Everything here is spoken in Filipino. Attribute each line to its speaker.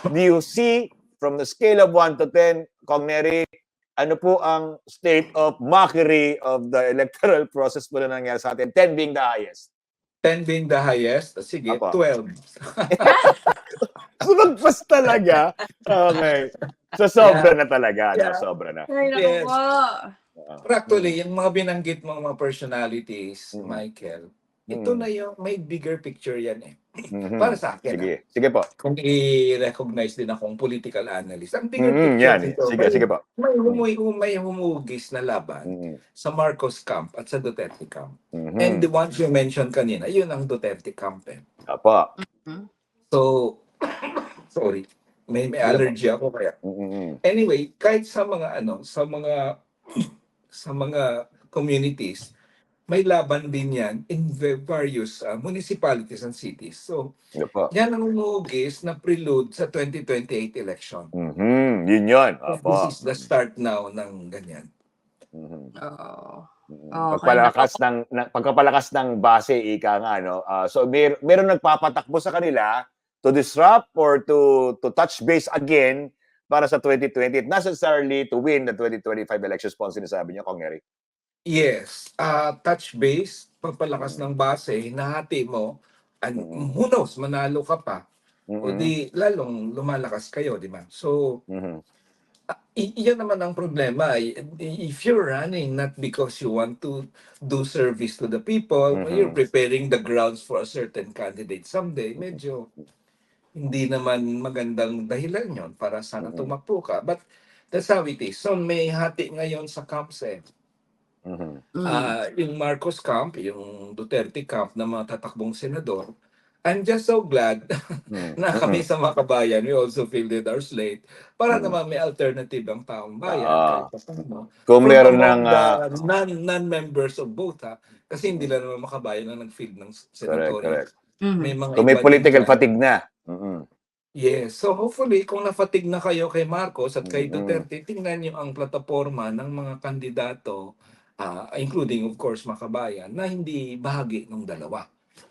Speaker 1: do you see from the scale of 1 to 10, Kong Neri, ano po ang state of mockery of the electoral process po na nangyari sa atin? 10 being the highest.
Speaker 2: 10 being the highest, sige,
Speaker 1: Apa.
Speaker 2: 12.
Speaker 1: Sumagpas talaga. Okay. So, sobra na talaga.
Speaker 2: Yeah.
Speaker 1: No? Sobra na.
Speaker 3: Ay, naku
Speaker 2: Yes.
Speaker 3: po.
Speaker 2: Pero actually, yung mga binanggit mong mga personalities,
Speaker 1: Mm.
Speaker 2: Michael, ito na yung may bigger picture yan eh.
Speaker 1: Mhm.
Speaker 2: Para sa akin.
Speaker 1: Sige. Sige po.
Speaker 2: Kung i-recognize din akong political analyst. Ang bigger picture
Speaker 1: Yan.
Speaker 2: nito,
Speaker 1: Sige po.
Speaker 2: may humugis na laban
Speaker 1: Mhm.
Speaker 2: sa Marcos camp at sa Duterte camp.
Speaker 1: Mhm.
Speaker 2: And the ones you mentioned kanina, yun ang Duterte camp eh.
Speaker 1: Apa.
Speaker 2: So, sorry, may allergy ako kaya.
Speaker 1: Mhm.
Speaker 2: Anyway, kahit sa mga sa mga communities, may laban din yan in various municipalities and cities. So,
Speaker 1: Apa.
Speaker 2: yan ang umugis na prelude sa 2028 election.
Speaker 1: Mhm. Yun yun.
Speaker 2: This
Speaker 1: Apa.
Speaker 2: is the start now ng ganyan.
Speaker 1: Mhm.
Speaker 3: Oo.
Speaker 1: Pagpapalakas ng base, ika nga, no? So, meron nagpapatakbo sa kanila to disrupt or to touch base again para sa 2020, not necessarily to win the 2025 elections po ang sinasabi niyo, Kong Neri.
Speaker 2: Yes, touch base, pagpalakas ng base, nahati mo, and who knows, manalo ka pa. O di, lalong lumalakas kayo, di ba? So, iyan naman ang problema. If you're running not because you want to do service to the people, you're preparing the grounds for a certain candidate someday, medyo hindi naman magandang dahilan yon para sana tumakbo ka. But that's how it is. So may hati ngayon sa camps eh. Yung Marcos camp, yung Duterte camp na mga tatakbong senador, I'm just so glad na kami sa Makabayan, we also fielded our slate para naman may alternative ang taong bayan.
Speaker 1: Kung meron ng
Speaker 2: non-members of both kasi hindi lang naman Makabayan na nag-field ng senatorial.
Speaker 1: Correct.
Speaker 2: May mga
Speaker 1: Kung may
Speaker 2: iba
Speaker 1: political
Speaker 2: din
Speaker 1: fatigue na.
Speaker 2: Yes. So hopefully, kung nafatig na kayo kay Marcos at kay Duterte, tingnan niyo ang plataforma ng mga kandidato, including of course Makabayan, na hindi bahagi ng dalawa.